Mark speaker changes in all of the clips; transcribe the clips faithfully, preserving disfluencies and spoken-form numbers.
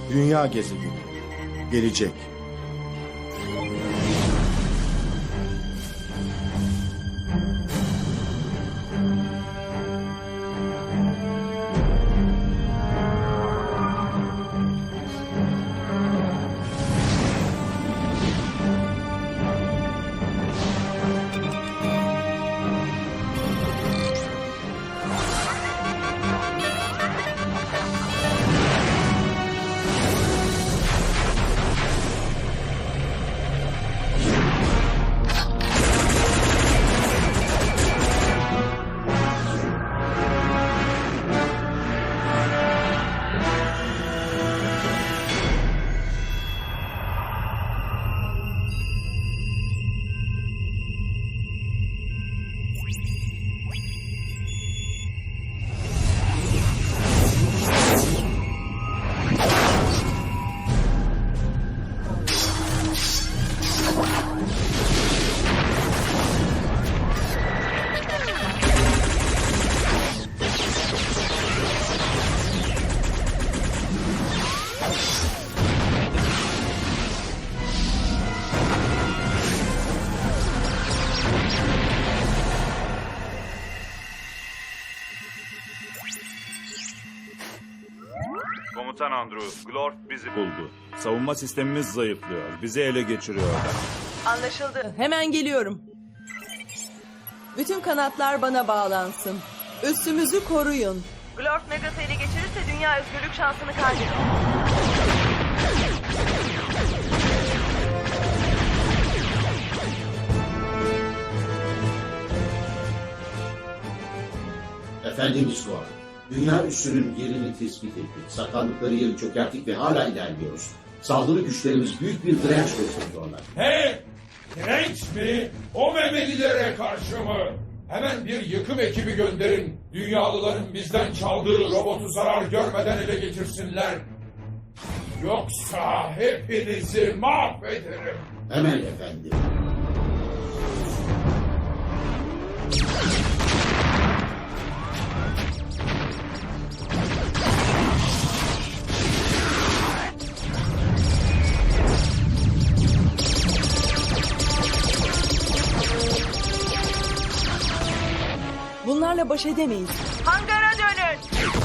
Speaker 1: Dünya gezegeni. Gelecek.
Speaker 2: Komutan Andrew, Glorf bizi buldu. Savunma sistemimiz zayıflıyor. Bizi ele geçiriyorlar.
Speaker 3: Anlaşıldı. Hemen geliyorum. Bütün kanatlar bana bağlansın. Üstümüzü koruyun. Glorf Megas'ı ele geçirirse dünya özgürlük şansını kaybeder.
Speaker 4: Efendimiz Gorn, dünya üssünün yerini tespit ettik. Saklandıkları yeri çökerttik ve hala ilerliyoruz. Saldırı güçlerimiz büyük bir direnç gösteriyorlar.
Speaker 5: He! Direnç mi? O Memelilere karşı mı? Hemen bir yıkım ekibi gönderin. Dünyalıların bizden çaldığı robotu zarar görmeden ele geçirsinler. Yoksa hepinizi mahvederim.
Speaker 4: Hemen efendim.
Speaker 3: Bunlarla baş edemeyiz. Hangara dönün.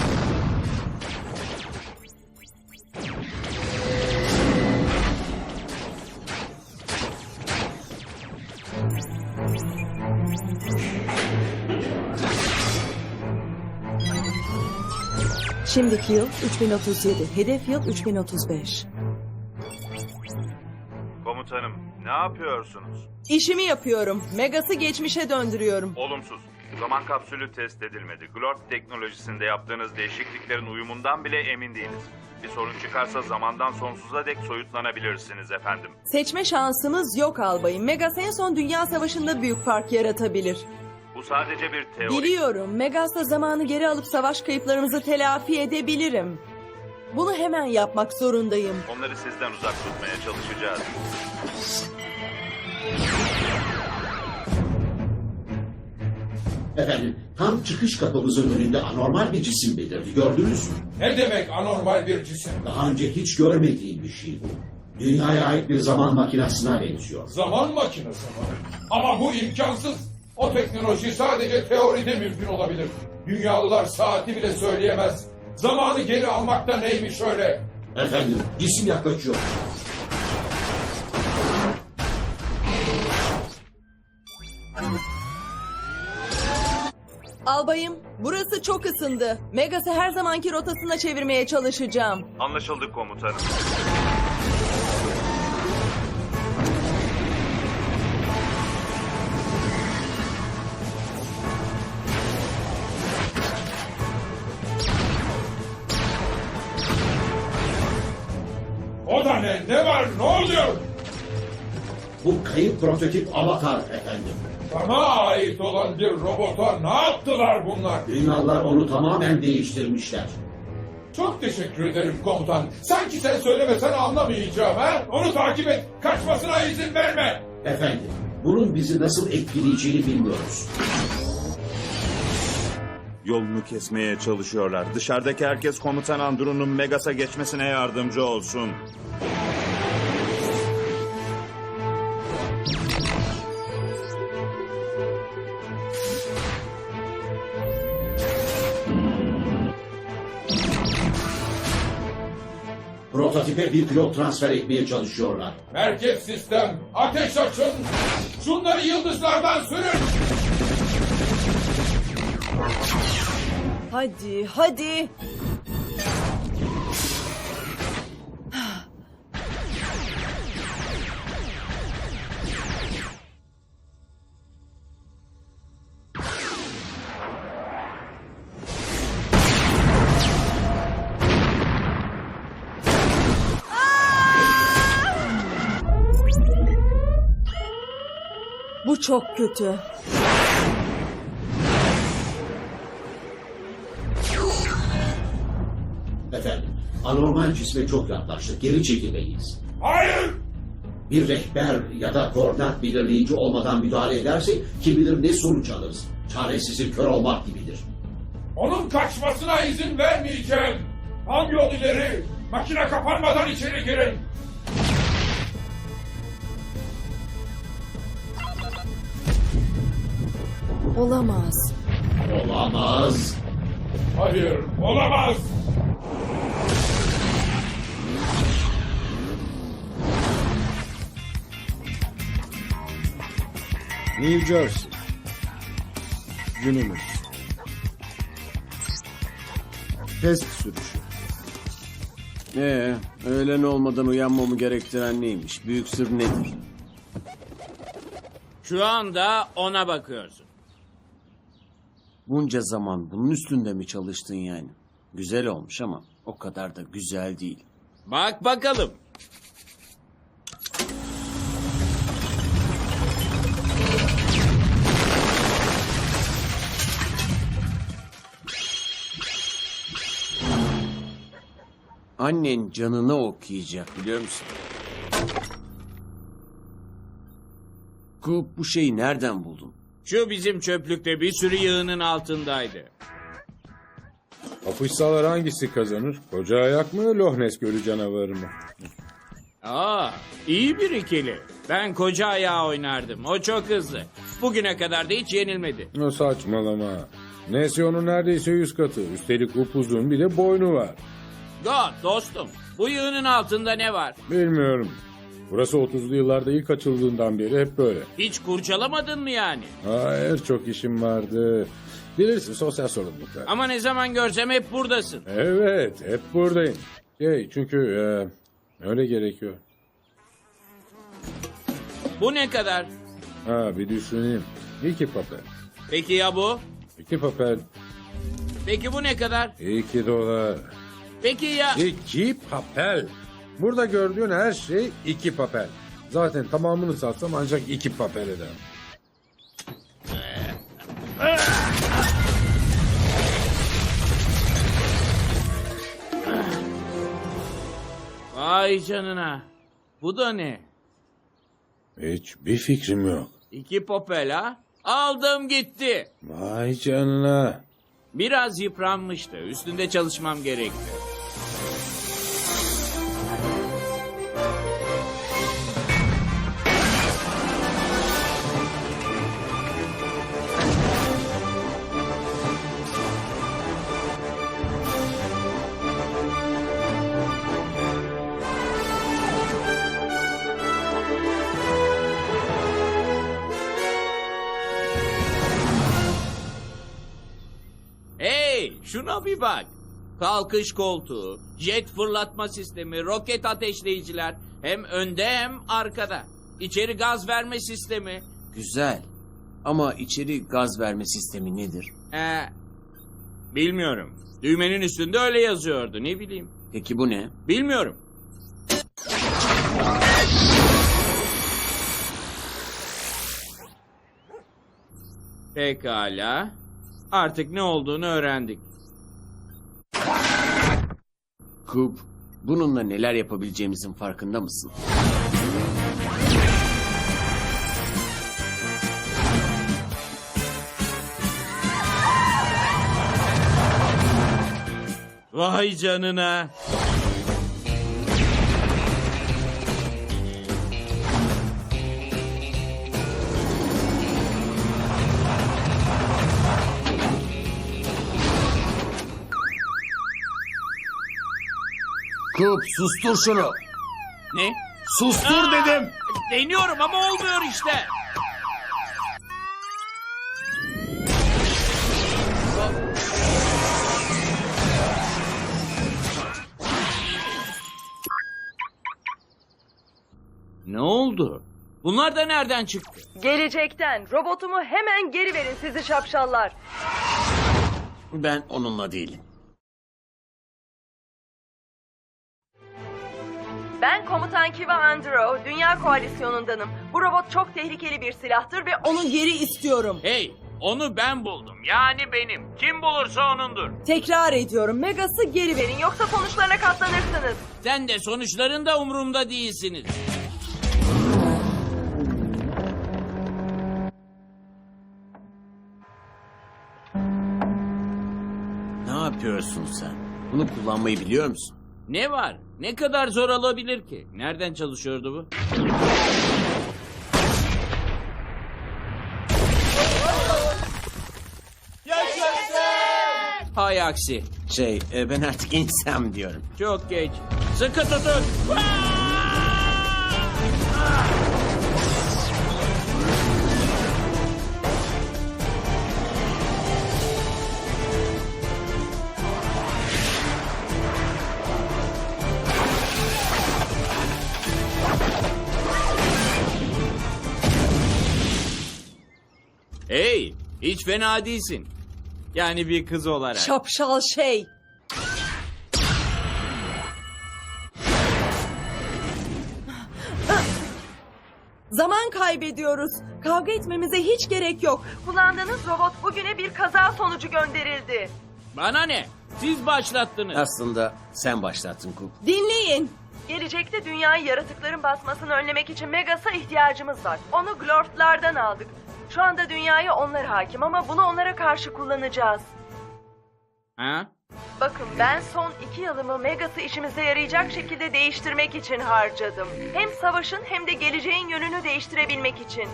Speaker 3: Şimdiki yıl üç bin otuz yedi. Hedef yıl üç bin otuz beş.
Speaker 2: Komutanım, ne yapıyorsunuz?
Speaker 3: İşimi yapıyorum. Megas'ı geçmişe döndürüyorum.
Speaker 2: Olumsuz. Zaman kapsülü test edilmedi. Glorf teknolojisinde yaptığınız değişikliklerin uyumundan bile emin değiliz. Bir sorun çıkarsa zamandan sonsuza dek soyutlanabilirsiniz efendim.
Speaker 3: Seçme şansımız yok albayım. Megas en son Dünya Savaşı'nda büyük fark yaratabilir.
Speaker 2: Bu sadece bir teori.
Speaker 3: Biliyorum. Megas'la zamanı geri alıp savaş kayıplarımızı telafi edebilirim. Bunu hemen yapmak zorundayım.
Speaker 2: Onları sizden uzak tutmaya çalışacağız.
Speaker 4: Efendim, tam çıkış kapımızın önünde anormal bir cisim belirdi. Gördünüz mü?
Speaker 5: Ne demek anormal bir cisim?
Speaker 4: Daha önce hiç görmediğim bir şey bu. Dünyaya ait bir zaman makinesine benziyor.
Speaker 5: Zaman makinesi mi? Ama bu imkansız. O teknoloji sadece teoride mümkün olabilir. Dünyalılar saati bile söyleyemez. Zamanı geri almakta neymiş öyle?
Speaker 4: Efendim, cisim yaklaşıyor.
Speaker 3: Albayım, burası çok ısındı. Megas'ı her zamanki rotasına çevirmeye çalışacağım.
Speaker 2: Anlaşıldı komutanım.
Speaker 5: O da ne? Ne var? Ne oluyor?
Speaker 4: Bu kayıp prototip avatar efendim.
Speaker 5: Bana ait olan bir robota ne yaptılar bunlar?
Speaker 4: Dünyalılar onu tamamen değiştirmişler.
Speaker 5: Çok teşekkür ederim komutan. Sanki sen söylemesen anlamayacağım ha? Onu takip et. Kaçmasına izin verme.
Speaker 4: Efendim, bunun bizi nasıl etkileyeceğini bilmiyoruz.
Speaker 2: Yolunu kesmeye çalışıyorlar. Dışarıdaki herkes komutan Andrew'nun Megas'a geçmesine yardımcı olsun.
Speaker 4: Prototipe bir pilot transfer etmeye çalışıyorlar.
Speaker 5: Merkez sistem, ateş açın! Şunları yıldızlardan sürün!
Speaker 3: Hadi, hadi. Bu çok kötü.
Speaker 4: Efendim, anormal cisme çok yaklaştık. Geri çekilmeliyiz.
Speaker 5: Hayır!
Speaker 4: Bir rehber ya da koordinat belirleyici olmadan müdahale edersek kim bilir ne sonuç alırız. Çaresizin kör olmak gibidir.
Speaker 5: Onun kaçmasına izin vermeyeceğim! Al yol ileri! Makine kapanmadan içeri girin!
Speaker 3: Olamaz.
Speaker 4: Olamaz.
Speaker 5: Hayır, olamaz!
Speaker 1: New Jersey. Günümüz. Test sürüşü.
Speaker 6: Ee, öğlen olmadan uyanmamı gerektiren neymiş? Büyük sır nedir?
Speaker 7: Şu anda ona bakıyorsun.
Speaker 6: Bunca zaman bunun üstünde mi çalıştın yani? Güzel olmuş ama o kadar da güzel değil.
Speaker 7: Bak bakalım.
Speaker 6: Annen canını okuyacak biliyor musun? Kup bu şeyi nereden buldun?
Speaker 7: Şu bizim çöplükte bir sürü yığının altındaydı.
Speaker 8: Kapışsalar hangisi kazanır? Koca ayak mı, Loch Ness Gölü canavarı mı?
Speaker 7: Aa, iyi bir ikili. Ben koca ayağı oynardım. O çok hızlı. Bugüne kadar da hiç yenilmedi.
Speaker 8: O saçmalama. Neyse onun neredeyse yüz katı. Üstelik upuzun bir de boynu var.
Speaker 7: God dostum. Bu yığının altında ne var?
Speaker 8: Bilmiyorum. Burası otuzlu yıllarda ilk açıldığından beri hep böyle.
Speaker 7: Hiç kurcalamadın mı yani?
Speaker 8: Hayır, çok işim vardı. Bilirsin, sosyal sorumluluklar.
Speaker 7: Ama ne zaman görsem hep buradasın.
Speaker 8: Evet, hep buradayım. Şey, çünkü e, öyle gerekiyor.
Speaker 7: Bu ne kadar?
Speaker 8: Ha, bir düşüneyim. İki papel.
Speaker 7: Peki ya bu?
Speaker 8: İki papel.
Speaker 7: Peki bu ne kadar?
Speaker 8: İki dolar.
Speaker 7: Peki ya...
Speaker 8: İki papel. Burada gördüğün her şey iki papel. Zaten tamamını satsam ancak iki papel eder.
Speaker 7: Vay canına. Bu da ne?
Speaker 8: Hiçbir fikrim yok.
Speaker 7: İki popel ha? Aldım gitti.
Speaker 8: Vay canına.
Speaker 7: Biraz yıpranmıştı. Üstünde çalışmam gerekti. Hey, şuna bir bak. Kalkış koltuğu, jet fırlatma sistemi, roket ateşleyiciler. Hem önde hem arkada. İçeri gaz verme sistemi.
Speaker 6: Güzel. Ama içeri gaz verme sistemi nedir?
Speaker 7: Ee, bilmiyorum. Düğmenin üstünde öyle yazıyordu. Ne bileyim.
Speaker 6: Peki bu ne?
Speaker 7: Bilmiyorum. Pekala. Artık ne olduğunu öğrendik.
Speaker 6: Kup, bununla neler yapabileceğimizin farkında mısın?
Speaker 7: Vay canına.
Speaker 6: Kup sustur şunu.
Speaker 7: Ne?
Speaker 6: Sustur dedim.
Speaker 7: Deniyorum ama olmuyor işte. Ne oldu? Bunlar da nereden çıktı?
Speaker 3: Gelecekten. Robotumu hemen geri verin sizi şapşallar.
Speaker 6: Ben onunla değilim.
Speaker 3: Ben komutan Kiva Andro, Dünya Koalisyonu'ndanım. Bu robot çok tehlikeli bir silahtır ve onu geri istiyorum.
Speaker 7: Hey, onu ben buldum. Yani benim. Kim bulursa onundur.
Speaker 3: Tekrar ediyorum, Megas'ı geri verin yoksa sonuçlarına katlanırsınız.
Speaker 7: Sen de sonuçlarında umurumda değilsiniz.
Speaker 6: Ne yapıyorsun sen? Bunu kullanmayı biliyor musun?
Speaker 7: Ne var? Ne kadar zor olabilir ki? Nereden çalışıyordu bu? Hay aksi.
Speaker 6: Şey, e, ben artık insem diyorum.
Speaker 7: Çok geç. Sıkı tutun. Hey, hiç fena değilsin. Yani bir kız olarak.
Speaker 3: Şapşal şey. Zaman kaybediyoruz. Kavga etmemize hiç gerek yok. Kullandığınız robot bugüne bir kaza sonucu gönderildi.
Speaker 7: Bana ne? Siz başlattınız.
Speaker 6: Aslında sen başlattın Kup.
Speaker 3: Dinleyin. Gelecekte dünyayı yaratıkların basmasını önlemek için Megas'a ihtiyacımız var. Onu Glort'lardan aldık. Şu anda dünyaya onlar hakim ama bunu onlara karşı kullanacağız.
Speaker 7: Ha?
Speaker 3: Bakın ben son iki yılımı Megas'ı işimize yarayacak şekilde değiştirmek için harcadım. Hem savaşın hem de geleceğin yönünü değiştirebilmek için.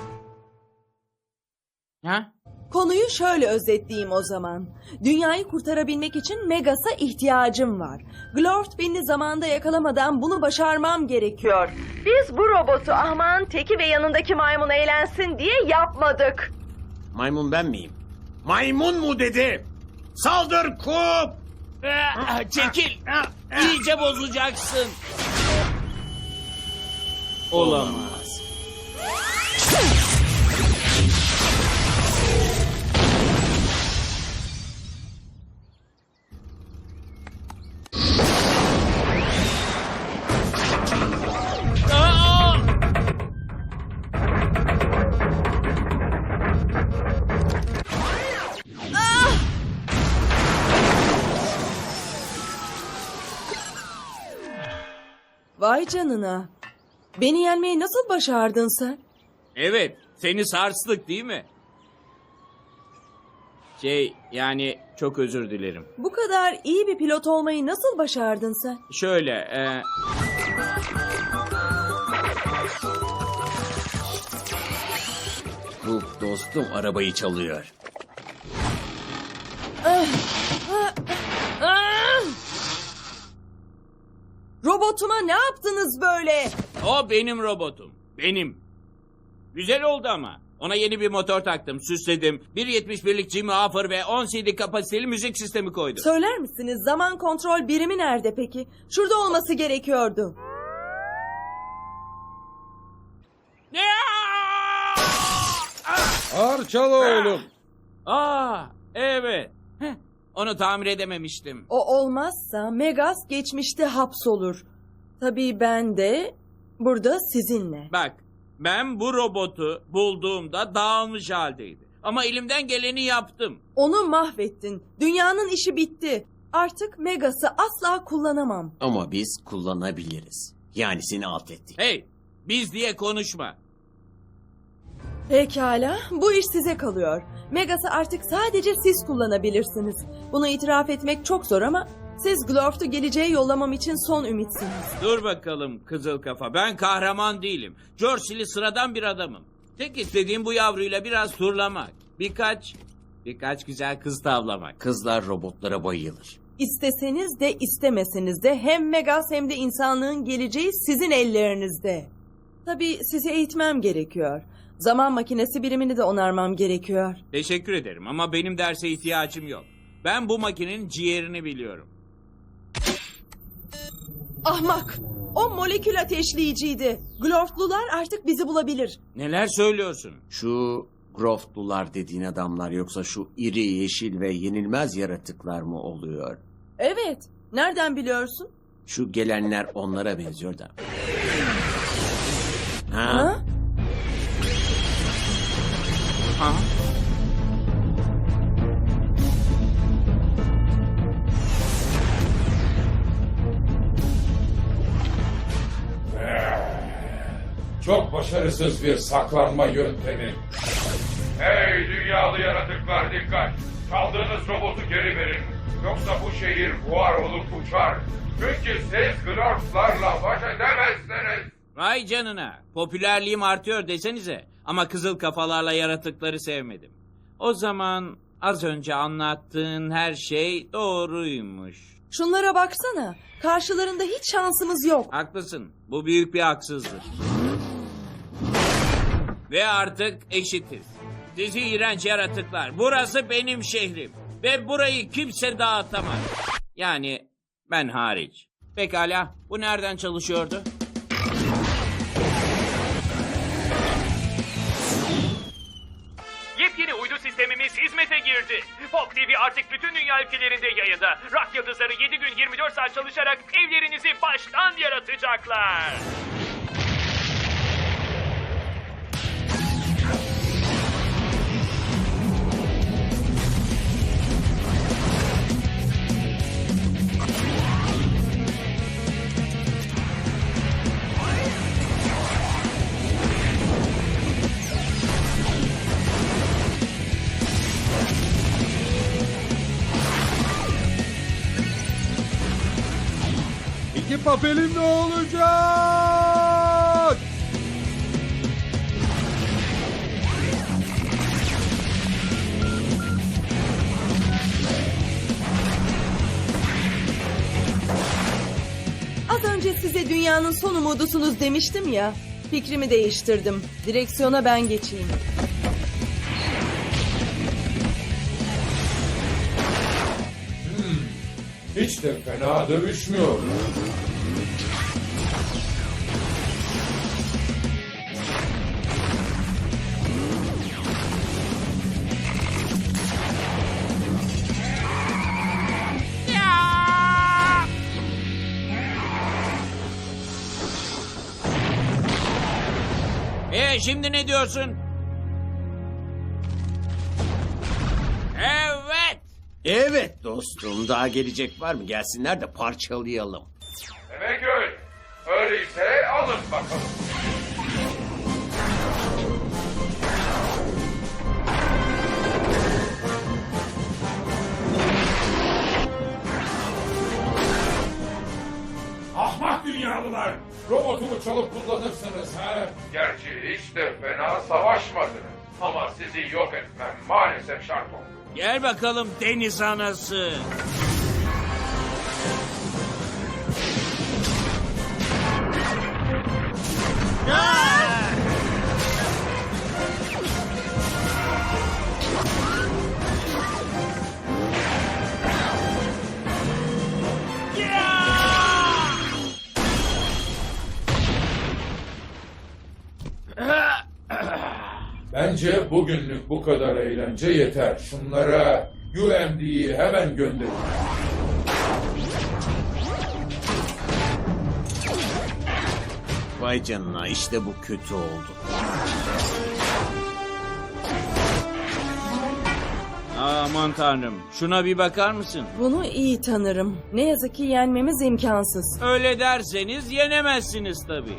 Speaker 7: Ha?
Speaker 3: Konuyu şöyle özetleyeyim o zaman. Dünyayı kurtarabilmek için Megas'a ihtiyacım var. Glort beni zamanda yakalamadan bunu başarmam gerekiyor. Biz bu robotu ahmağın teki ve yanındaki maymun eğlensin diye yapmadık.
Speaker 6: Maymun ben miyim? Maymun mu dedi? Saldır Kup!
Speaker 7: Ah, çekil. İyice bozacaksın. Olamaz. Aa!
Speaker 3: Vay canına. Beni yenmeyi nasıl başardın sen?
Speaker 7: Evet, seni sarstık değil mi? Şey, yani çok özür dilerim.
Speaker 3: Bu kadar iyi bir pilot olmayı nasıl başardın sen?
Speaker 7: Şöyle, e,
Speaker 6: Kup dostum arabayı çalıyor.
Speaker 3: Robotuma ne yaptınız böyle?
Speaker 7: o benim robotum. Benim. Güzel oldu ama. Ona yeni bir motor taktım, süsledim. bir yetmiş birlik Jimmy Hoffer ve on C D kapasiteli müzik sistemi koydum.
Speaker 3: Söyler misiniz zaman kontrol birimi nerede peki? Şurada olması gerekiyordu.
Speaker 7: Ne?
Speaker 8: Ağır çal oğlum.
Speaker 7: Aa, evet. Heh, onu tamir edememiştim.
Speaker 3: O olmazsa Megas geçmişte hapsolur. Tabii ben de burada sizinle.
Speaker 7: Bak, ben bu robotu bulduğumda dağılmış haldeydi. Ama elimden geleni yaptım.
Speaker 3: Onu mahvettin. Dünyanın işi bitti. Artık Megas'ı asla kullanamam.
Speaker 6: Ama biz kullanabiliriz. Yani seni alt ettik.
Speaker 7: Hey, biz diye konuşma.
Speaker 3: Pekala, bu iş size kalıyor. Megas'ı artık sadece siz kullanabilirsiniz. Bunu itiraf etmek çok zor ama Siz Glorft'u geleceğe yollamam için son ümitsiniz.
Speaker 7: Dur bakalım kızıl kafa. Ben kahraman değilim. Jersey'li sıradan bir adamım. Tek istediğim bu yavruyla biraz turlamak. Birkaç, birkaç güzel kız tavlamak.
Speaker 6: Kızlar robotlara bayılır.
Speaker 3: İsteseniz de istemeseniz de hem Megas hem de insanlığın geleceği sizin ellerinizde. Tabii sizi eğitmem gerekiyor. Zaman makinesi birimini de onarmam gerekiyor.
Speaker 7: Teşekkür ederim ama benim derse ihtiyacım yok. Ben bu makinenin ciğerini biliyorum.
Speaker 3: Ahmak! O molekül ateşleyiciydi. Glorftlular artık bizi bulabilir.
Speaker 7: Neler söylüyorsun?
Speaker 6: Şu Groftlular dediğin adamlar yoksa şu iri, yeşil ve yenilmez yaratıklar mı oluyor?
Speaker 3: Evet. Nereden biliyorsun?
Speaker 6: Şu gelenler onlara benziyor da. Ha?
Speaker 3: Ha?
Speaker 7: Ha?
Speaker 5: Çok başarısız bir saklanma yöntemi. Hey dünyalı yaratıklar dikkat! Çaldığınız robotu geri verin. Yoksa bu şehir buhar olup uçar. Çünkü siz Glorflarla baş edemezsiniz.
Speaker 7: Vay canına. Popülerliğim artıyor desenize. Ama kızıl kafalarla yaratıkları sevmedim. O zaman az önce anlattığın her şey doğruymuş.
Speaker 3: Şunlara baksana. Karşılarında hiç şansımız yok.
Speaker 7: Haklısın. Bu büyük bir haksızlık. Ve artık eşitiz. Sizi iğrenç yaratıklar. Burası benim şehrim. Ve burayı kimse dağıtamaz. Yani ben hariç. Pekala. Bu nereden çalışıyordu?
Speaker 9: Yepyeni uydu sistemimiz hizmete girdi. Pop T V artık bütün dünya ülkelerinde yayında. Rock yıldızları yedi gün yirmi dört saat çalışarak evlerinizi baştan yaratacaklar.
Speaker 8: İki papelim ne olacak?
Speaker 3: Az önce size dünyanın son umudusunuz demiştim ya. Fikrimi değiştirdim. Direksiyona ben geçeyim.
Speaker 5: Hiç de fena dövüşmüyor.
Speaker 7: Ee şimdi ne diyorsun? Evet.
Speaker 6: Evet dostum, daha gelecek var mı? Gelsinler de parçalayalım.
Speaker 5: Demek öyle. Öyleyse alın bakalım. Ahmak dünyalılar! Robotumu çalıp kullanırsınız ha? Gerçi hiç de fena savaşmadınız. Ama sizi yok etmem maalesef şart oldu.
Speaker 7: Gel bakalım deniz anası.
Speaker 5: Bence bugünlük bu kadar eğlence yeter. Şunlara U M D'yi hemen gönderin.
Speaker 6: Vay canına, işte bu kötü oldu.
Speaker 7: Aman tanrım. Şuna bir bakar mısın?
Speaker 3: Bunu iyi tanırım. Ne yazık ki yenmemiz imkansız.
Speaker 7: Öyle derseniz yenemezsiniz tabii.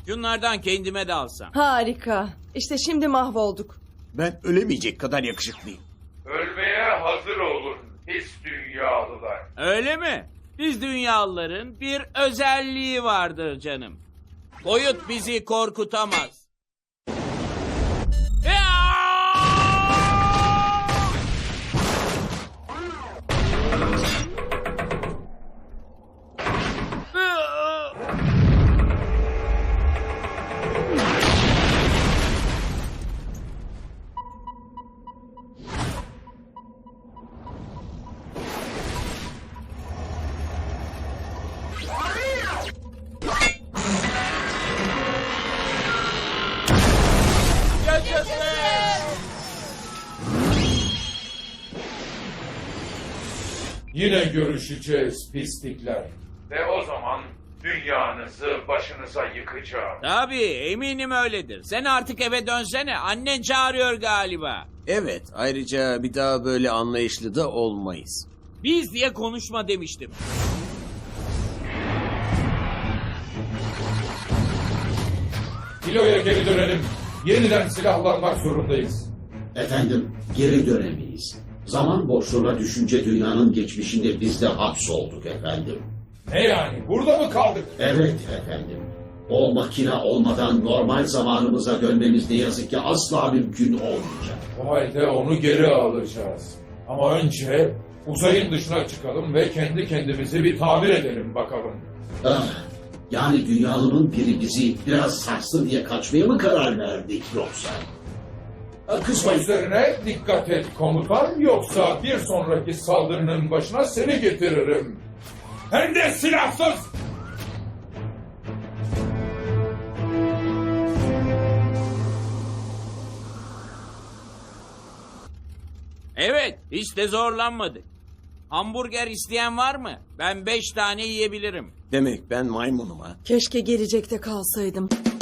Speaker 7: Şunlardan kendime de alsam.
Speaker 3: Harika. İşte şimdi mahvolduk.
Speaker 6: Ben ölemeyecek kadar yakışıklıyım.
Speaker 5: Ölmeye hazır olun pis dünyalılar.
Speaker 7: Öyle mi? Biz dünyalıların bir özelliği vardır canım. Boyut bizi korkutamaz. Ya!
Speaker 5: Yine görüşeceğiz pislikler. Ve o zaman dünyanızı başınıza yıkacağım.
Speaker 7: Tabii eminim öyledir. Sen artık eve dönsene. Annen çağırıyor galiba.
Speaker 6: Evet, ayrıca bir daha böyle anlayışlı da olmayız.
Speaker 7: Biz diye konuşma demiştim.
Speaker 5: Kiloya geri dönelim. Yeniden silahlanmak zorundayız.
Speaker 4: Efendim, geri dönemeyiz. Zaman boşluğuna düşünce dünyanın geçmişinde biz de hapsolduk efendim.
Speaker 5: Ne yani? Burada mı kaldık?
Speaker 4: Evet efendim. O makine olmadan normal zamanımıza dönmemiz ne yazık ki asla mümkün olmayacak.
Speaker 5: O halde onu geri alacağız. Ama önce uzayın dışına çıkalım ve kendi kendimizi bir tamir edelim bakalım.
Speaker 4: Ah, yani dünyalının biri bizi biraz sarstı diye kaçmaya mı karar verdik yoksa? Ah, kızmayın.
Speaker 5: Sözlerine dikkat et komutan, yoksa bir sonraki saldırının başına seni getiririm. Hem de silahsız!
Speaker 7: Evet, hiç de zorlanmadık. Hamburger isteyen var mı? Ben beş tane yiyebilirim.
Speaker 6: Demek ben maymunum ha.
Speaker 3: Keşke gelecekte kalsaydım.